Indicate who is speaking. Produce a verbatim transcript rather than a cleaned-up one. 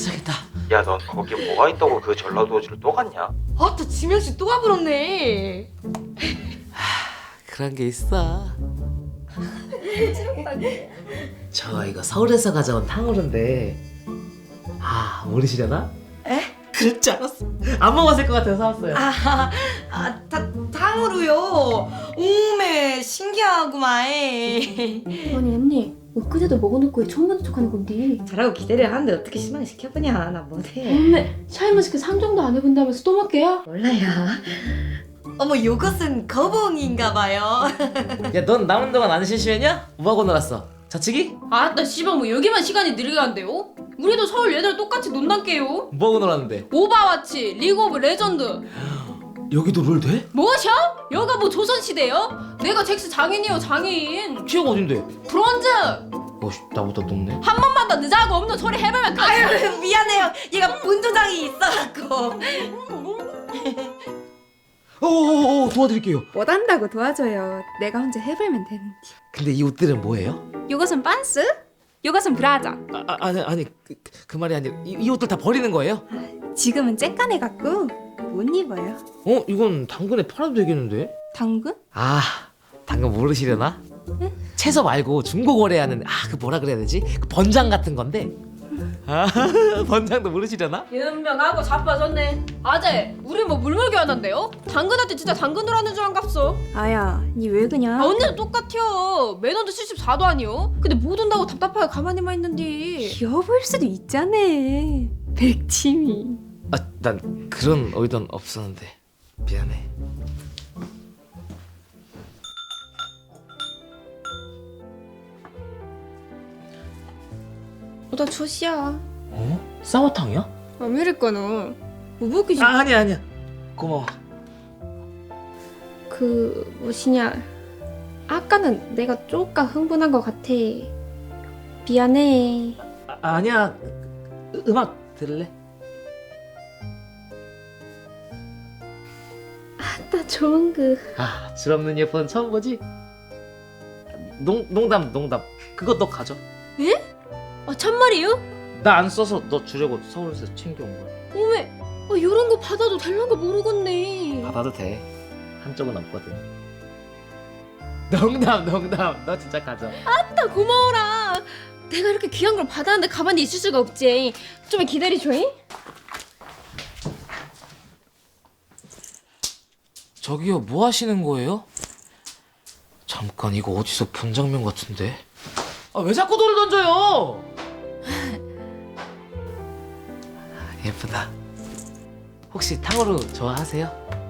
Speaker 1: 도착했다.
Speaker 2: 야, 넌 거기 뭐가 있다고 그 전라도지를 또 갔냐?
Speaker 3: 아따 지명씨 또 가버렸네.
Speaker 1: 그런 게 있어. 저 이거 서울에서 가져온 탕후루인데 아 모르시려나?
Speaker 3: 에?
Speaker 1: 그럴 줄 알았어. 안 먹었을 것 같아서 사왔어요.
Speaker 3: 아, 아 다, 탕으로요. 오메 신기하구만.
Speaker 4: 아니 언니 엊그제도 먹어놓고 왜 처음 보는 척하는 건데?
Speaker 3: 잘하고 기다려 하는데 어떻게 실망 시켜보냐. 나 못해.
Speaker 4: 엄매 샤인머스켓 상정도 안 해본다면서 또 먹게야?
Speaker 3: 몰라요. 어머 요것은 거봉인가봐요.
Speaker 1: 야 넌 남은 동안 안 심심했냐? 뭐하고 놀았어? 자치기?
Speaker 5: 아따 씨발 뭐 여기만 시간이 느리게 간대요? 우리도 서울 얘들 똑같이 논단게요.
Speaker 1: 뭐하고 놀았는데?
Speaker 5: 오바와치, 리그 오브 레전드.
Speaker 1: 여기도 롤 돼?
Speaker 5: 뭐셔? 여가 뭐 조선시대요? 내가 잭스 장인이요 장인.
Speaker 1: 취업 어딘데?
Speaker 5: 브론즈.
Speaker 1: 어씨 나보다 높네.
Speaker 5: 한 번만 더 늦어하고 없는 소리 해보면 까.
Speaker 3: 아유 미안해요. 얘가 분조장이 있어갖고.
Speaker 1: 어어어 도와드릴게요.
Speaker 6: 못한다고 도와줘요. 내가 혼자 해보면 되는데.
Speaker 1: 근데 이 옷들은 뭐예요?
Speaker 6: 요것은 반스, 요것은 브라자.
Speaker 1: 아, 아 아니 아니 그, 그 말이 아니라 이, 이 옷들 다 버리는 거예요?
Speaker 6: 지금은 쬐깐해 갖고 못 입어요.
Speaker 1: 어 이건 당근에 팔아도 되겠는데?
Speaker 6: 당근?
Speaker 1: 아 당근 모르시려나? 채소 말고 중고 거래하는 아 그 뭐라 그래야 되지? 그 번장 같은 건데. 아 번장도 모르시려나?
Speaker 5: 연명하고 자빠졌네. 아재, 우리 뭐 물물교 하는데요? 당근한테 진짜 당근으로 하는 줄 안갑소.
Speaker 6: 아야, 니 왜 그냥?
Speaker 5: 아 언니도 똑같아요. 매너도 칠십사 도 아니요? 근데 못 온다고 답답하게 가만히만 있는디.
Speaker 6: 귀여워 보일 수도 있잖아. 백치미.
Speaker 1: 아 난 그런 의도는 없었는데 미안해.
Speaker 5: 나 조시야.
Speaker 1: 어? 쌍화탕이야?
Speaker 5: 아메리카노. 뭐 먹기
Speaker 1: 아 아니야 아니야 고마워.
Speaker 5: 그 뭐시냐. 아까는 내가 쪼까 흥분한 것 같아. 미안해.
Speaker 1: 아, 아니야 으, 음악 들을래?
Speaker 5: 나 좋은 그.
Speaker 1: 아 줄없는 예쁜 처음 보지? 농, 농담 농담 그거 너 가져.
Speaker 5: 아 참말이요?
Speaker 1: 나 안 써서 너 주려고 서울에서 챙겨온 거야.
Speaker 5: 어메. 아 요런 거 받아도 될란 거 모르겠네.
Speaker 1: 받아도 돼. 한쪽은 없거든. 농담 농담 너 진짜 가져.
Speaker 5: 나 고마워라. 내가 이렇게 귀한 걸 받았는데 가만히 있을 수가 없지. 좀 기다려줘잉.
Speaker 1: 저기요 뭐 하시는 거예요? 잠깐 이거 어디서 본 장면 같은데. 아 왜 자꾸 돌을 던져요? 예쁘다. 혹시 탕후루 좋아하세요?